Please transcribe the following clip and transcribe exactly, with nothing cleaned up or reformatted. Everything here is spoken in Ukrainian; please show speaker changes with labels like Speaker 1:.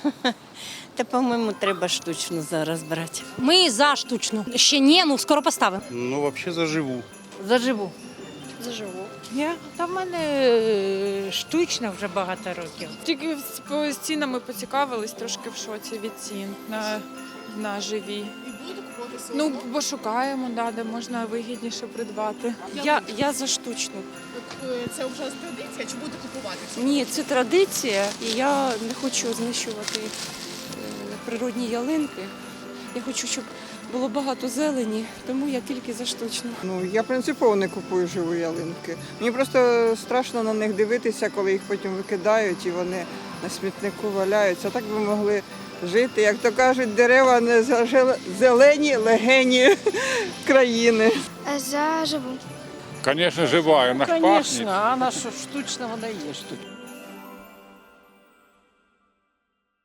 Speaker 1: Та, по-моєму, треба штучно зараз брати.
Speaker 2: Ми за штучну. Ще ні, ну скоро поставимо.
Speaker 3: Ну, вообще заживу.
Speaker 2: Заживу.
Speaker 1: Заживу.
Speaker 4: Я? Та в мене е, штучно вже багато років.
Speaker 5: Тільки з по- з цінами поцікавились, трошки в шоці від цін на, на живі. Ну, бо шукаємо, да, де можна вигідніше придбати.
Speaker 6: Я, я за штучну.
Speaker 7: Це вже традиція, чи будете купувати?
Speaker 6: Ні, це традиція, і я не хочу знищувати е, природні ялинки. Я хочу, щоб було багато зелені, тому я тільки за штучну.
Speaker 8: Ну, я принципово не купую живі ялинки. Мені просто страшно на них дивитися, коли їх потім викидають і вони на смітнику валяються. Так би могли жити, як то кажуть, дерева не зелені легені країни.
Speaker 9: Заживу.
Speaker 10: Звісно, жива, вона ж пахне.
Speaker 4: Звісно, а на що штучна вона є штучна.